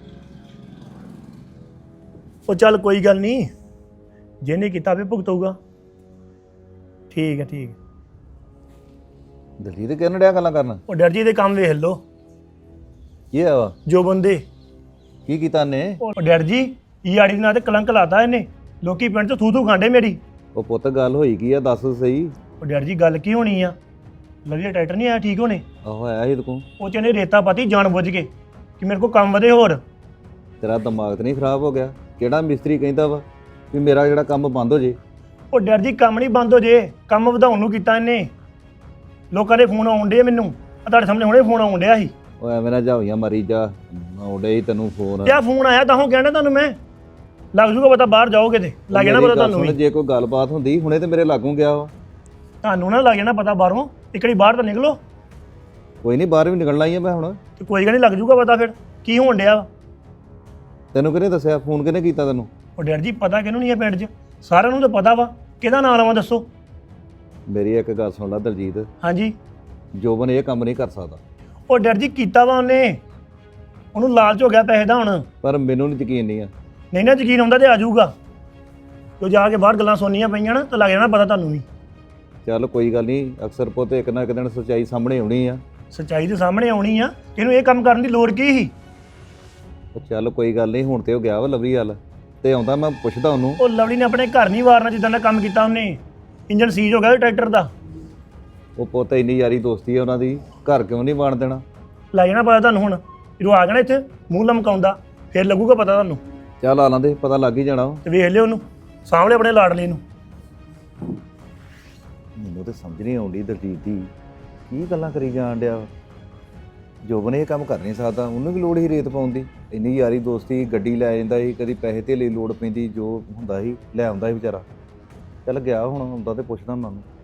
ਉਹ ਚੱਲ ਕੋਈ ਗੱਲ ਨਹੀਂ, ਜਿਹਨੇ ਕੀਤਾ ਵੀ ਭੁਗਤੂਗਾ। ਠੀਕ ਹੈ ਠੀਕ ਹੈ। ਦਲਜੀਤ ਕਿਹਨ ਡਿਆ ਗੱਲਾਂ ਕਰਨ? ਉਹ ਡਰ ਜੀ ਦੇ ਕੰਮ ਵੇਖ ਲਓ ਕੀ ਆ ਵਾ? ਜੋ ਬੰਦੇ। ਕੀ ਕੀਤਾ ਨੇ? ਉਹ ਡਰ ਜੀ ਯਾੜੀ ਦੇ ਨਾਂ ਤੇ ਕਲੰਕ ਲਾਤਾ ਇਹਨੇ। ਲੋਕੀ ਪਿੰਡ 'ਚ ਥੂ ਥੂ ਖਾਂਡੇ ਮੇਰੀ। ਉਹ ਪੁੱਤ ਗੱਲ ਹੋਈ ਕੀ ਆ, ਦੱਸ ਸਹੀ। ਉਹ ਡਰ ਜੀ ਗੱਲ ਕੀ ਹੋਣੀ ਆ, ਲਵਲੀ ਟਰੈਕਟਰ ਨਹੀਂ ਆਇਆ ਠੀਕ ਹੋਣੇ। ਆਹੋ ਆਇਆ ਸੀ ਤੂੰ। ਉਹ 'ਚ ਇਹਨੇ ਰੇਤਾ ਪਾਤੀ ਜਾਣ ਬੁੱਝ ਕੇ ਕਿ ਮੇਰੇ ਕੋਲ ਕੰਮ ਵਧੇ ਹੋਰ। ਤੇਰਾ ਦਿਮਾਗ ਤੇ ਨਹੀਂ ਖਰਾਬ ਹੋ ਗਿਆ? ਕਿਹੜਾ ਮਿਸਤਰੀ ਕਹਿੰਦਾ ਵਾ ਵੀ ਮੇਰਾ ਜਿਹੜਾ ਕੰਮ ਬੰਦ ਹੋ ਜੇ? ਉਹ ਡਰ ਜੀ ਕੰਮ ਨਹੀਂ ਬੰਦ ਹੋ ਜੇ, ਕੰਮ ਵਧਾਉਣ ਨੂੰ ਕੀਤਾ ਇਹਨੇ। ਲੋਕਾਂ ਦੇ ਫੋਨ ਆਉਣ ਡੇ ਮੈਨੂੰ, ਆ ਤੁਹਾਡੇ ਸਾਹਮਣੇ ਹੁਣੇ ਫੋਨ ਆਉਣ ਡਿਆ ਸੀ। ਉਹ ਐਵੇਂ ਨਾ ਜਾਵੀਆਂ ਮਾਰੀ ਜਾ, ਆਉਂਦੇ ਹੀ ਤੈਨੂੰ ਫੋਨ। ਤੇ ਆ ਫੋਨ ਆਇਆ ਤਾਂ ਉਹ ਕਹਿਣਾ ਤੁਹਾਨੂੰ ਮੈਂ ਲੱਗ ਜੂਗਾ ਪਤਾ, ਬਾਹਰ ਜਾਓਗੇ ਤੇ ਲੱਗ ਜਾਣਾ ਪਤਾ ਤੁਹਾਨੂੰ ਵੀ। ਜੇ ਕੋਈ ਗੱਲਬਾਤ ਹੁੰਦੀ ਹੁਣੇ ਤੇ ਮੇਰੇ ਲਾਗੋਂ ਗਿਆ ਵਾ। ਤੁਹਾਨੂੰ ਨਾ ਲੱਗ ਜਾਣਾ ਪਤਾ ਬਾਹਰੋਂ, ਇੱਕ ਵਾਰੀ ਬਾਹਰ ਤਾਂ ਨਿਕਲੋ। ਕੋਈ ਨਹੀਂ, ਬਾਹਰ ਵੀ ਨਿਕਲਣਾ ਹੀ ਆ ਮੈਂ ਹੁਣ। ਤੇ ਕੋਈ ਗੱਲ ਨਹੀਂ, ਲੱਗ ਜੂਗਾ ਪਤਾ ਫਿਰ ਕੀ ਹੋਣ ਡਿਆ ਵਾ। ਤੈਨੂੰ ਕਿਹਨੇ ਦੱਸਿਆ? ਫੋਨ ਕਿਹਨੇ ਕੀਤਾ ਤੈਨੂੰ? ਉਹ ਡਰ ਜੀ ਪਤਾ ਕਿਹਨੂੰ ਨਹੀਂ ਹੈ ਪਿੰਡ 'ਚ, ਸਾਰਿਆਂ ਨੂੰ ਤਾਂ ਪਤਾ ਵਾ। ਕਿਹਦਾ ਨਾਂ ਲਵਾਂ ਦੱਸੋ? ਮੇਰੀ ਇੱਕ ਗੱਲ ਸੁਣ ਲੈ ਦਲਜੀਤ, ਹਾਂਜੀ। ਜੋਬਨ ਇਹ ਕੰਮ ਨਹੀਂ ਕਰ ਸਕਦਾ। ਉਹ ਡਰ ਜੀ ਕੀਤਾ ਵਾ ਉਹਨੇ, ਉਹਨੂੰ ਲਾਲਚ ਹੋ ਗਿਆ ਪੈਸੇ ਦਾ ਹੁਣ। ਪਰ ਮੈਨੂੰ ਨਹੀਂ ਯਕੀਨ ਨਹੀਂ ਆ। ਨਹੀਂ ਨਾ ਯਕੀਨ ਹੁੰਦਾ ਤੇ ਆ ਜਾਊਗਾ। ਜੋ ਜਾ ਕੇ ਬਾਹਰ ਗੱਲਾਂ ਸੁਣਨੀਆਂ ਪਈਆਂ ਨਾ ਤਾਂ ਲੱਗ ਜਾਣਾ ਪਤਾ ਤੁਹਾਨੂੰ ਵੀ। ਚੱਲ ਕੋਈ ਗੱਲ ਨਹੀਂ, ਅਕਸਰ ਪੁੱਤ ਇੱਕ ਨਾ ਇੱਕ ਦਿਨ ਸੱਚਾਈ ਸਾਹਮਣੇ ਆਉਣੀ ਆ। ਸੱਚਾਈ ਦੇ ਸਾਹਮਣੇ ਆਉਣੀ ਆ, ਇਹਨੂੰ ਇਹ ਕੰਮ ਕਰਨ ਦੀ ਲੋੜ ਕੀ ਸੀ? ਉਹ ਚੱਲ ਕੋਈ ਗੱਲ ਨਹੀਂ, ਹੁਣ ਤੇ ਉਹ ਗਿਆ ਵਾ ਲਵਲੀ ਵੱਲ, ਤੇ ਆਉਂਦਾ ਮੈਂ ਪੁੱਛਦਾ ਉਹਨੂੰ। ਉਹ ਲਵਲੀ ਨੇ ਆਪਣੇ ਘਰ ਨਹੀਂ ਵਾਰਨਾ ਜਿੱਦਾਂ ਦਾ ਕੰਮ ਕੀਤਾ ਉਹਨੇ। ਇੰਜਨ ਸੀਜ਼ ਹੋ ਗਿਆ ਟਰੈਕਟਰ ਦਾ। ਉਹ ਪੁੱਤ ਇੰਨੀ ਯਾਰੀ ਦੋਸਤੀ ਆ ਉਹਨਾਂ ਦੀ, ਘਰ ਕਿਉਂ ਨਹੀਂ ਬਣ ਦੇਣਾ? ਲੱਗ ਜਾਣਾ ਪਤਾ ਤੁਹਾਨੂੰ ਹੁਣ, ਜਦੋਂ ਆ ਜਾਣਾ ਇੱਥੇ ਮੂੰਹ ਲਮਕਾਉਂਦਾ ਫਿਰ ਲੱਗੂਗਾ ਪਤਾ ਤੁਹਾਨੂੰ। ਚੱਲ ਆ ਲਾਂਦੇ, ਪਤਾ ਲੱਗ ਹੀ ਜਾਣਾ ਵਾ। ਤੇ ਵੇਖ ਲਿਓ ਉਹਨੂੰ, ਸਾਹਮਣੇ ਆਪਣੇ ਲਾਡਲੇ ਨੂੰ। ਮੈਨੂੰ ਤੇ ਸਮਝ ਨਹੀਂ ਆਉਂਦੀ ਦਲਜੀਤ ਦੀ ਕੀ ਗੱਲਾਂ ਕਰੀ ਜਾਣ ਡਿਆ। ਜੋਬਨ ਇਹ ਕੰਮ ਕਰ ਨਹੀਂ ਸਕਦਾ, ਉਹਨੂੰ ਵੀ ਲੋੜ ਹੀ ਰੇਤ ਪਾਉਣ ਦੀ। ਇੰਨੀ ਯਾਰੀ ਦੋਸਤੀ, ਗੱਡੀ ਲੈ ਜਾਂਦਾ ਸੀ, ਕਦੀ ਪੈਸੇ ਧੇਲੇ ਲੋੜ ਪੈਂਦੀ, ਜੋ ਹੁੰਦਾ ਸੀ ਲੈ ਆਉਂਦਾ ਸੀ ਵਿਚਾਰਾ। ਚੱਲ ਗਿਆ ਹੁਣ, ਆਉਂਦਾ ਤੇ ਪੁੱਛਦਾ ਮੈਂ ਉਹਨੂੰ।